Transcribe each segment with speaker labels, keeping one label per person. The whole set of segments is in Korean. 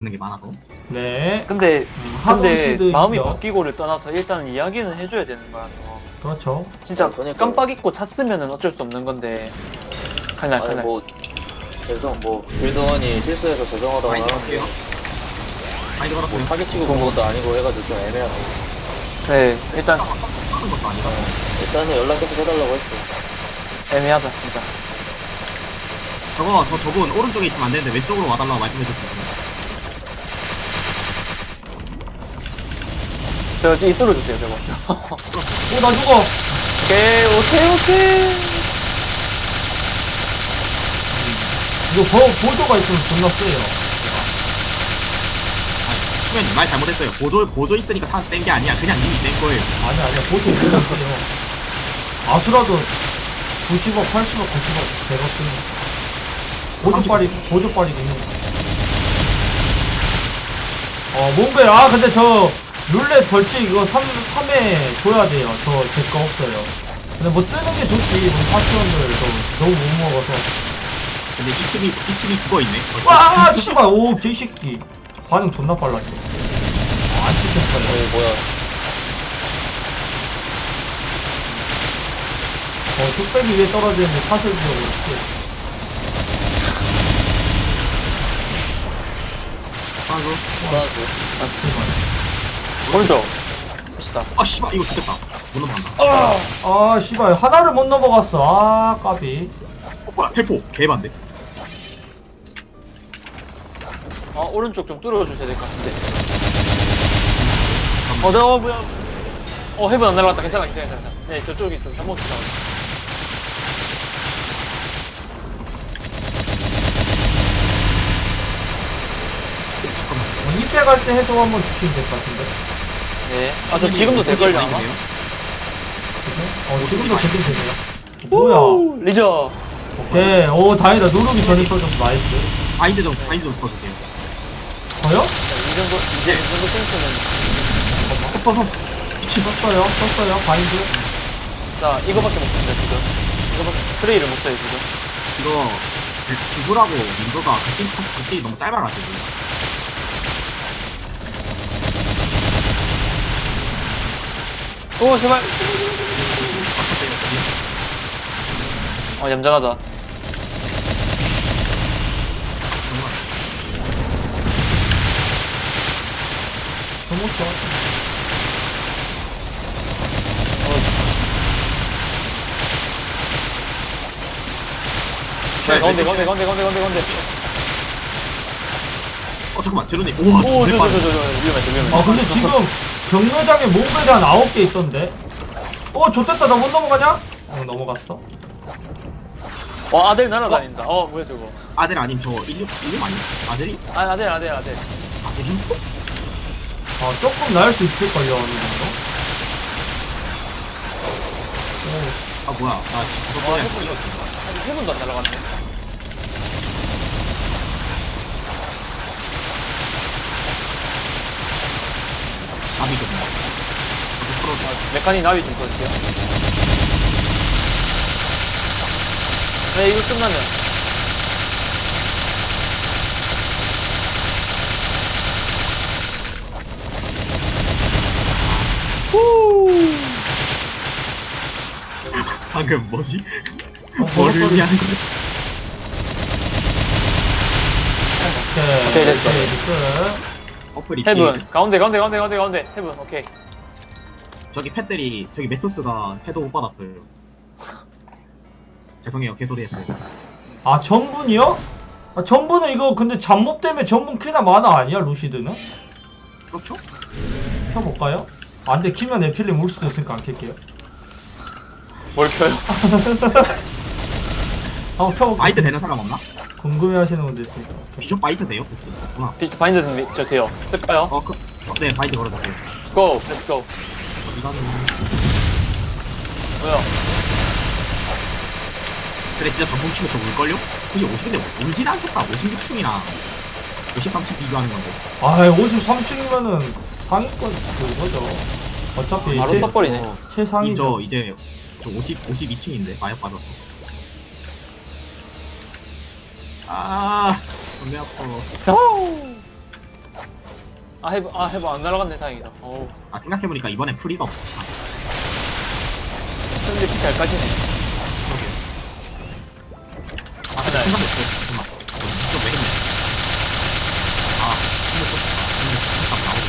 Speaker 1: 있는 게 많아서.
Speaker 2: 네.
Speaker 3: 근데
Speaker 2: 하도시드
Speaker 3: 마음이
Speaker 2: 있죠.
Speaker 3: 바뀌고를 떠나서 일단 이야기는 해줘야 되는 거라서
Speaker 2: 그렇죠.
Speaker 3: 진짜
Speaker 4: 그러니까요.
Speaker 3: 깜빡 잊고 찼으면은 어쩔 수 없는 건데 칼날
Speaker 4: 아니
Speaker 3: 칼날
Speaker 4: 뭐 빌드원이 실수해서 저정하다가
Speaker 1: 많이
Speaker 4: 하는데
Speaker 1: 들었어요. 많이
Speaker 4: 뭐
Speaker 1: 들었어요.
Speaker 4: 사기치고 그런 것도 아니고 해가지고 좀 애매하고
Speaker 3: 네 일단
Speaker 1: 하는 것도 아니라.
Speaker 4: 일단은 연락 계속 해달라고 했어.
Speaker 3: 애매하다 진짜.
Speaker 1: 저분 오른쪽에 있으면 안 되는데 왼쪽으로 와달라고 말씀해줬어요.
Speaker 3: 저 이 뚫어주세요 저거.
Speaker 2: 오, 나 죽어.
Speaker 3: 오케이.
Speaker 2: 이거 보조가 있으면 존나 세요.
Speaker 1: 수면님 말 잘못했어요. 보조 있으니까 센 게 아니야. 그냥 이미 센 거예요.
Speaker 2: 아니야. 보조 존나 세요. 아수라도 90억, 80억, 90억 되거든요. 보조빨이 있는 거. 몽벨, 근데 저, 룰렛 벌칙 이거 3회 줘야 돼요. 제 거 없어요. 근데 뭐 뜨는 게 좋지. 우리 파티원들 너무 못 먹어서.
Speaker 1: 근데 이침이 죽어있네.
Speaker 2: 와, 씨발, 오, 개새끼. 반응 존나 빨랐어. 안 찍혔어요.
Speaker 4: 뭐야
Speaker 2: 뚝배기 위에 떨어지는데 사슬 지어고 있지.
Speaker 1: 아이고.
Speaker 4: 불안하고
Speaker 3: 오른쪽 멋있다.
Speaker 1: 아 씨발 이거 죽겠다. 못 넘어간다.
Speaker 2: 씨발, 하나를 못 넘어갔어. 까비.
Speaker 1: 뭐야 텔포 개반대.
Speaker 3: 오른쪽 좀 뚫어주셔야 될 것 같은데. 뭐야. 헤븐 안 날아갔다. 괜찮아. 네, 저쪽이 좀 잘못 나왔어.
Speaker 2: 이때 갈 때 해소 한번 주시면 될 것 같은데.
Speaker 3: 네. 저 지금도 될걸요, 아마?
Speaker 2: 지금도 되긴 되네요. 뭐야.
Speaker 3: 리저.
Speaker 2: 오케이. 오, 다행이다. 누르기 전에 써줘서 나이스.
Speaker 1: 바인드 좀 써줄게요.
Speaker 2: 저요?
Speaker 3: 이 정도 센스는.
Speaker 2: 썼어요. 바인드.
Speaker 3: 자, 이거밖에 못 쓴다, 지금. 이거밖에, 트레이를 못 써요, 지금.
Speaker 1: 이거 기구라고 민도가 극딜 너무 짧아가지고.
Speaker 3: 오, 제발. 얌전하다.
Speaker 2: 너무 좋아.
Speaker 3: 가운데.
Speaker 1: 잠깐만 제로님. 우와
Speaker 3: 오,
Speaker 1: 내 빠져.
Speaker 3: 위험했어.
Speaker 2: 근데 지금 경로장에 몽벨이 한 9개 있던데. 좋됐다. 나 못 넘어가냐? 넘어갔어.
Speaker 3: 아들 날아다닌다. 뭐야, 저거.
Speaker 1: 아들 아님 저 이름 아니? 아들이?
Speaker 3: 아들.
Speaker 1: 아들이?
Speaker 2: 조금 나을 수 있을걸요, 어느 정도.
Speaker 1: 아 뭐야? 나 저거
Speaker 3: 해븐도 안 날아갔네.
Speaker 1: 답이 좀.
Speaker 3: 메카닉 나비 좀 써주세요. 네, 이거 끝나면.
Speaker 1: 방금 뭐지?
Speaker 2: 버섯
Speaker 1: 뭘
Speaker 2: 소리.
Speaker 1: 의미하는 거야?
Speaker 2: 오케이,
Speaker 3: 됐어.
Speaker 2: 끝.
Speaker 1: 어플 이
Speaker 3: 해븐. 가운데. 해븐, 오케이.
Speaker 1: 저기 팻들이 저기 메토스가 해도 못 받았어요. 죄송해요 개소리 했어요.
Speaker 2: 전분이요? 전분은 이거 근데 잡몹 때문에 전분 퀴나 마나 아니야, 루시드는?
Speaker 1: 그렇죠?
Speaker 2: 켜볼까요? 안돼, 키면 에필림 울 수도 있으니까 안 켤게요.
Speaker 3: 뭘 켜요?
Speaker 2: 한번 켜볼게요.
Speaker 1: 바이트 되는 사람 없나?
Speaker 2: 궁금해하시는 분들 있으니까.
Speaker 1: 비숍 바이트 돼요? 혹시? 없구나.
Speaker 3: 바인드 저 돼요. 쓸까요?
Speaker 1: 네 바이트 걸어줄게요.
Speaker 3: 고! 렛츠 고!
Speaker 1: 이거는
Speaker 3: 뭐야?
Speaker 1: 근데 진짜 전문 키면 저 울걸요? 그게 50인데 울진 않겠다. 56층이나 53층 비교하는 건데.
Speaker 2: 53층이면은 상위권 그거죠. 어차피
Speaker 3: 바로 떡거리네.
Speaker 2: 최상위죠.
Speaker 1: 이제 저 52층인데 마약 받았어. 존나 아파.
Speaker 3: 해보 안 날아갔네 다행이다. 어우
Speaker 1: 아 생각해보니까 이번엔 프리가 없어. 아,
Speaker 3: 근데 피 잘 까지네.
Speaker 1: 아 근데
Speaker 3: 네.
Speaker 1: 생각했어. 잠깐만. 좀왜 했네. 아 근데 또 나오고.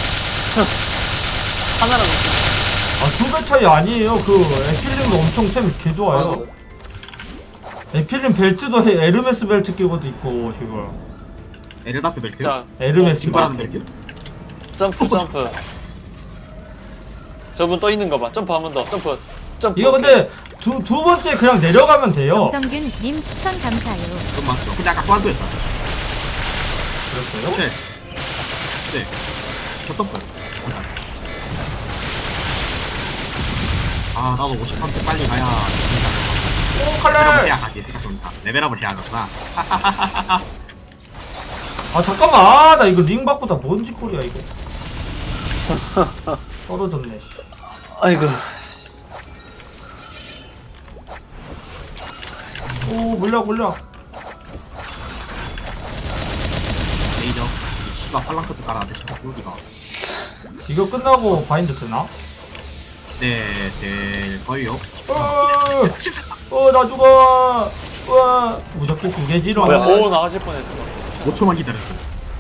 Speaker 3: 하나라도
Speaker 2: 아, 2배 차이 아니에요. 그, 에필림도 엄청 템이 개 좋아요. 에필림 벨트도 에르메스 벨트 끼고도 있고, 지금.
Speaker 1: 에르다스 벨트.
Speaker 3: 자
Speaker 2: 에르메스
Speaker 1: 증발하는
Speaker 2: 벨트.
Speaker 1: 벨트.
Speaker 3: 점프. 저분 떠 있는 거 봐. 점프 한 번 더. 점프.
Speaker 2: 이거 근데, 두 번째 그냥 내려가면 돼요.
Speaker 5: 정성균 님 추천 감사해요.
Speaker 1: 그건 맞죠. 근데 아까 소환수였어요.
Speaker 2: 그랬어요?
Speaker 1: 네. 네. 겹쳤어요. 아 나도 53대 빨리 가야.
Speaker 2: 오,
Speaker 1: 레벨업을
Speaker 2: 칼날!
Speaker 1: 해야 가지 생각해보니까. 레벨업을 해야 하구나.
Speaker 2: 아, 잠깐만. 아, 나 이거 링 바꾸다 뭔 짓거리야, 이거. 떨어졌네, 씨.
Speaker 3: 아이고.
Speaker 2: 오, 물약.
Speaker 1: 레이저. 씨가 팔랑크스 깔아놨대. 여기가.
Speaker 2: 이거 끝나고 바인드 되나?
Speaker 1: 네, 될걸요.
Speaker 2: 나 죽어! 우와! 무적기 2개지롱.
Speaker 3: 뭐야? 오 나가실 뻔했어.
Speaker 1: 5초만 기다렸어.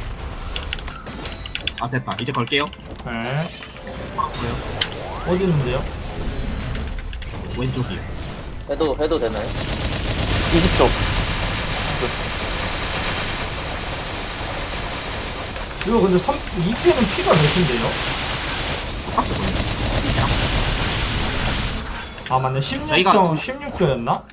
Speaker 1: 아 됐다. 이제 걸게요.
Speaker 2: 네.
Speaker 1: 걸어요.
Speaker 2: 어디 있는데요?
Speaker 1: 왼쪽이요.
Speaker 4: 해도 되나요?
Speaker 3: 20초.
Speaker 2: 이거 근데 2패는 피가 몇인데요?
Speaker 1: 똑같이 걸려.
Speaker 2: 아, 맞네. 16조,
Speaker 1: 저희가-
Speaker 2: 16조였나?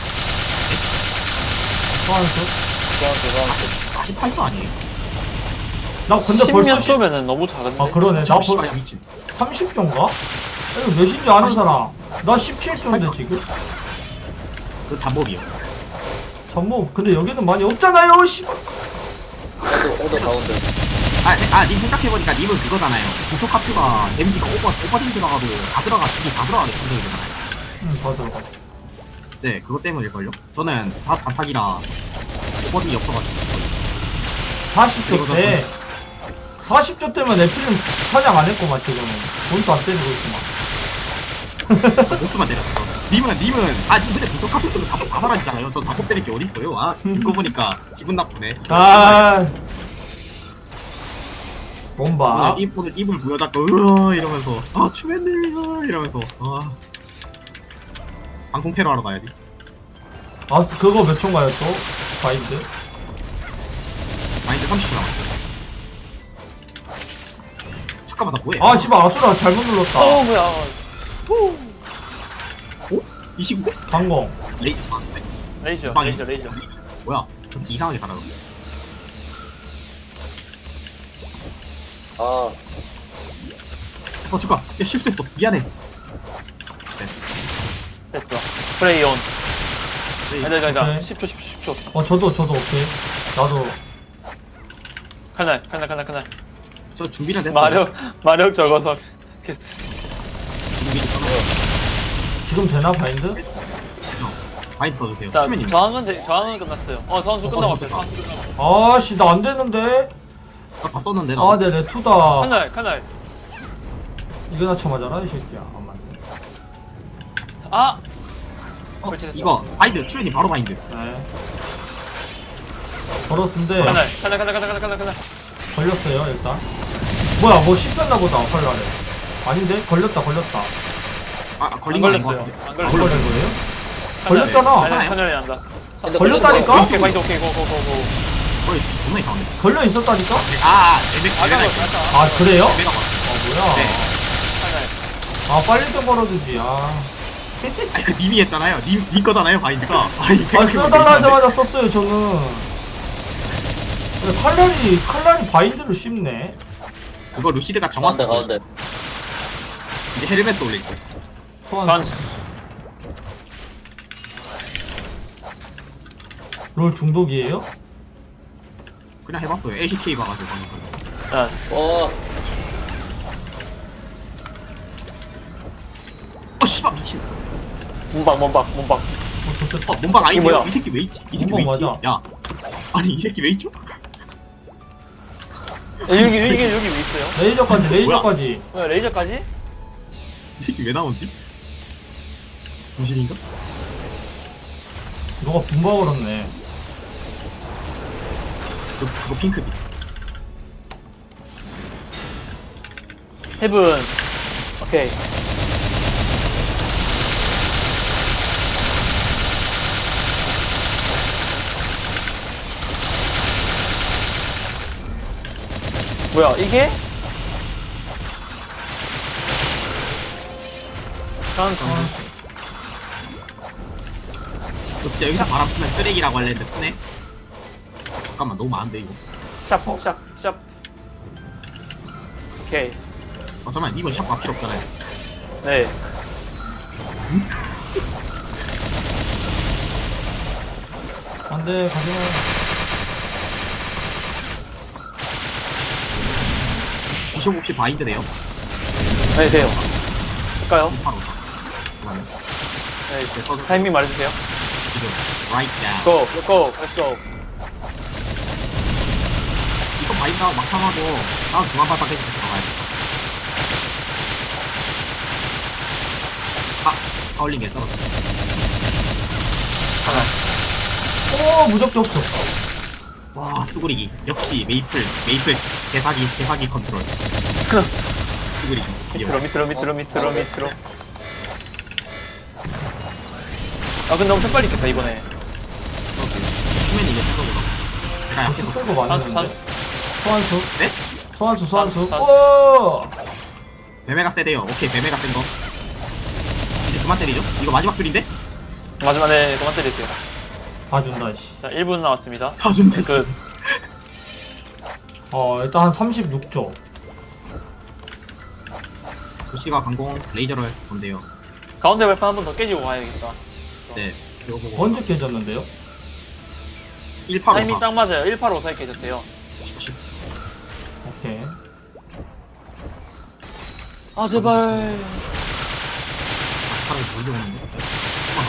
Speaker 2: 소환수?
Speaker 4: 그냥
Speaker 1: 48초 아니에요?
Speaker 2: 나 근데
Speaker 3: 10년
Speaker 2: 벌써
Speaker 3: 쏘면은 너무 작은데.
Speaker 2: 아, 그러네. 나
Speaker 1: 저
Speaker 2: 벌써
Speaker 1: 씨발 미친.
Speaker 2: 30조인가? 이거 몇인지 아는 사람. 나 17조인데, 지금?
Speaker 1: 그 잠복이요.
Speaker 2: 전부, 근데 여기는 많이 없잖아요, 씨발.
Speaker 4: 해도 가운데.
Speaker 1: 님 생각해보니까 님은 그거잖아요. 고토카프가 데미지가 오버딩 들어가도 다 들어가게 컨트롤되잖아요.
Speaker 2: 다 들어가.
Speaker 1: 네, 그것 때문일걸요? 저는 다 단탁이라 오버딩이 없어가지고.
Speaker 2: 40조 때, 40조 때면 애플은 사냥 안 했구만, 지금은. 돈도 안 때리고 있구만.
Speaker 1: 보스만 때렸어. 님은, 님 근데 고토카프 때문에 자폭 다 사라지잖아요. 전 자폭 때릴 게 어딨어요? 아, 듣고 보니까 기분 나쁘네.
Speaker 2: 아. bomba.
Speaker 1: 오늘 입을 부여잡고, 으아, 이러면서, 아, 추맨들, 이러면서, 아. 방송 테러 하러 가야지.
Speaker 2: 아, 그거 몇 초인가요, 또? 바인드?
Speaker 1: 마인드 30초 남았어. 잠깐만, 나 뭐해?
Speaker 2: 아, 씨발, 아수라 잘못 눌렀다.
Speaker 3: 뭐야?
Speaker 1: 어? 이 시국에?
Speaker 2: 강공.
Speaker 1: 레이, 아, 네.
Speaker 3: 레이저.
Speaker 1: 뭐야? 저 새끼 이상하게 살아요.
Speaker 4: 아,
Speaker 1: 잠깐. 야, 실수했어. 미안해.
Speaker 3: 됐어. 플레이 온.
Speaker 1: 레이.
Speaker 3: 가자.
Speaker 2: 네.
Speaker 3: 10초.
Speaker 2: 저도 오케이. 나도.
Speaker 3: 칼날.
Speaker 1: 저 준비는 됐어.
Speaker 3: 마력 적어서.
Speaker 1: 준비 됐어.
Speaker 2: 지금 되나, 바인드?
Speaker 1: 마인드 써주세요.
Speaker 3: 자,
Speaker 1: 추맨님.
Speaker 3: 저항은 끝났어요. 선수 끝나고 앞에.
Speaker 2: 아씨, 나 안 되는데?
Speaker 1: 다 썼는데, 나.
Speaker 2: 아, 네, 레투다.
Speaker 3: 칼날.
Speaker 2: 이거나 쳐맞아라, 이 새끼야. 안 맞네.
Speaker 3: 아!
Speaker 1: 이거, 바인드. 추맨님 바로 바인드.
Speaker 2: 네. 걸었는데,
Speaker 3: 칼날.
Speaker 2: 걸렸어요, 일단. 뭐야, 뭐 씹혔나 보다, 헐라래. 아닌데? 걸렸다.
Speaker 1: 아, 걸린 거 아닌 것
Speaker 3: 걸렸어요.
Speaker 1: 같은데.
Speaker 3: 안
Speaker 2: 안
Speaker 3: 걸렸어요.
Speaker 2: 걸린 거예요? 걸렸잖아.
Speaker 3: 칼날이 난다.
Speaker 2: 걸렸다니까?
Speaker 3: 오케이, 고고.
Speaker 1: 거의 존나 이상한데.
Speaker 2: 걸려 있었다니까?
Speaker 1: 레벨가 있어.
Speaker 2: 아, 그래요?
Speaker 1: 레벨가 왔어.
Speaker 2: 뭐야.
Speaker 1: 네.
Speaker 3: 칼날.
Speaker 2: 아, 빨리 좀 걸어주지, 아.
Speaker 1: 아니, 그 님이 했잖아요. 님 거잖아요, 바인드가. 아니,
Speaker 2: 아, 써달라 하자마자 썼어요, 저는. 근데 칼날이 바인드를 씹네.
Speaker 1: 그거 루시드가 정확히
Speaker 4: 가운데.
Speaker 1: 이제 헬멧 올릴 때.
Speaker 2: 소환. 롤 중독이에요?
Speaker 1: 그냥 해봤어요. LCK 봐가지고 방금.
Speaker 3: 자,
Speaker 1: 씨발 미친.
Speaker 3: 몸박.
Speaker 2: 좋겠다.
Speaker 1: 몸박 아니에요?
Speaker 3: 뭐야?
Speaker 1: 이 새끼 왜 있지? 이 새끼 왜
Speaker 2: 몸박
Speaker 1: 있지?
Speaker 2: 맞아.
Speaker 1: 야, 아니 이 새끼 왜 있죠?
Speaker 3: 여기 왜 있어요?
Speaker 2: 레이저까지.
Speaker 3: 레이저까지?
Speaker 1: 이 새끼 왜 나오지? 무실인가?
Speaker 2: 너가 붕가 걸었네.
Speaker 1: 그거 핑크디.
Speaker 3: 헤븐. 오케이. 뭐야 이게?
Speaker 1: 너 진짜 여기서 바람 쓰면 쓰레기라고 할랬는데 쓰네? 잠깐만 너무 많은데 이거.
Speaker 3: 샵. 오케이.
Speaker 1: 잠깐만 이번 샵 필요 없잖아요.
Speaker 3: 네.
Speaker 2: 안돼 가지마.
Speaker 1: 비숍 없이 바인드 돼요.
Speaker 3: 네 돼요. 할까요?
Speaker 1: 바로.
Speaker 3: 네. 타이밍 말해주세요.
Speaker 1: 지금 right now.
Speaker 3: Go. Let's go.
Speaker 1: 이거 바인드 하고 막상하고 다음 중앙발판 깨지 들어가야 돼. 하울링 게 떨어져.
Speaker 2: 오 무적기 없어.
Speaker 1: 와 수구리기. 역시 메이플 개사기 컨트롤. 수구리기.
Speaker 3: 밑으로. 아 근데 엄청 빨리 깼다 이번에.
Speaker 1: 수면 이게 최고로. 제가
Speaker 2: 벌써
Speaker 1: 약해서.
Speaker 2: 끌고 많이 했는데. 소환수.
Speaker 1: 네?
Speaker 2: 소환수.
Speaker 3: 산.
Speaker 2: 오.
Speaker 1: 매매가 세대요. 오케이 매매가 센 거. 이제 그만 때리죠? 이거 마지막 줄인데?
Speaker 3: 마지막에 그만 때릴게요.
Speaker 2: 봐준다 씨.
Speaker 3: 자 1분 남았습니다.
Speaker 1: 봐준대.
Speaker 3: 끝.
Speaker 2: 일단 한 36조.
Speaker 1: 도시가 강공 레이저를 할 건데요.
Speaker 3: 가운데 발판 한 번 더 깨지고 가야겠다.
Speaker 1: 네. 이거 보고.
Speaker 2: 번째 깨졌는데요?
Speaker 1: 185.
Speaker 3: 타이밍 딱 맞아요. 1854에 깨졌대요.
Speaker 2: 오케이.
Speaker 3: 아 제발.
Speaker 1: 사람이 돌려오는데? 조금만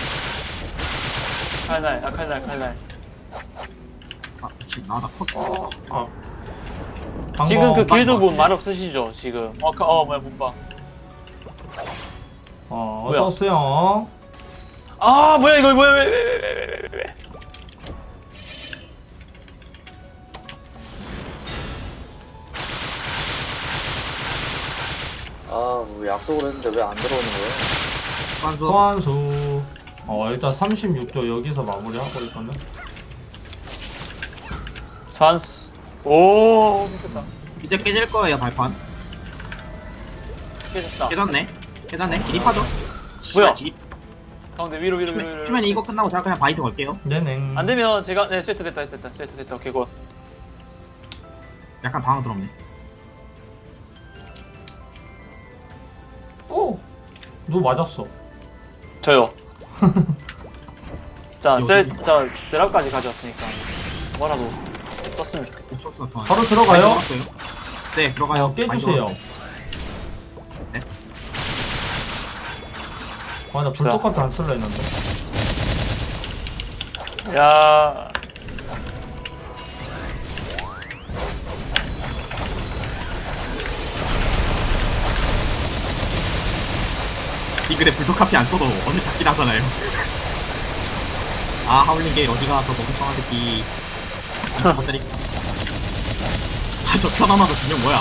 Speaker 1: 어때?
Speaker 3: 칼날.
Speaker 1: 지금 나다 컷.
Speaker 3: 지금 그
Speaker 1: 방금
Speaker 3: 길드분
Speaker 1: 맞네.
Speaker 3: 말 없으시죠 지금? 뭐야 못 봐. 뭐야?
Speaker 2: 어서오세요.
Speaker 3: 아 뭐야 이거 뭐야 왜.
Speaker 4: 뭐 약속을 했는데 왜 안 들어오는 거야?
Speaker 1: 관수.
Speaker 2: 소환수. 일단 36조 여기서 마무리하고 있거든.
Speaker 3: 찬스. 오 미쳤다.
Speaker 1: 이제 깨질 거예요 발판.
Speaker 3: 깨졌다.
Speaker 1: 깨졌네. 진입하죠.
Speaker 3: 뭐야?
Speaker 1: 진입.
Speaker 3: 가운데 위로.
Speaker 1: 추면 이거 끝나고 제가 그냥 바이트 걸게요.
Speaker 2: 네네.
Speaker 3: 안 되면 제가 세트 됐다. 오케이 굿.
Speaker 1: 약간 당황스럽네.
Speaker 2: 오! 누 맞았어.
Speaker 3: 저요. 자,
Speaker 1: 여기.
Speaker 3: 드랍까지 가져왔으니까 뭐라도 썼으면 좋겠다.
Speaker 1: 옥수수가 통하네.
Speaker 2: 바로 들어가요?
Speaker 1: 바이트 걸었어요. 네 들어가요.
Speaker 2: 깨주세요.
Speaker 1: 네?
Speaker 2: 나 불독카트 안 쓸라 했는데.
Speaker 3: 야,
Speaker 1: 빙글에 불독카피 안 써도 어느 잡긴 하잖아요. 하울링 게 어디가 더 멍청한 새끼. 것들이. 저 편안하다 분명 뭐야?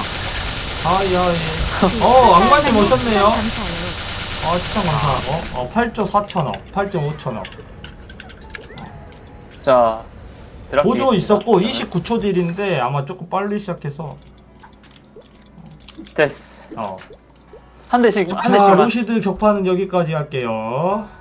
Speaker 2: 악마님 오셨네요.
Speaker 5: 감사해요.
Speaker 2: 추천 감사. 8조 4천억, 8조 5천억.
Speaker 3: 자, 드랍
Speaker 2: 보조
Speaker 3: 되겠습니다.
Speaker 2: 있었고 29초 딜인데 아마 조금 빨리 시작해서.
Speaker 3: 됐어.
Speaker 2: 자,
Speaker 3: 한 대씩만.
Speaker 2: 루시드 격파는 여기까지 할게요.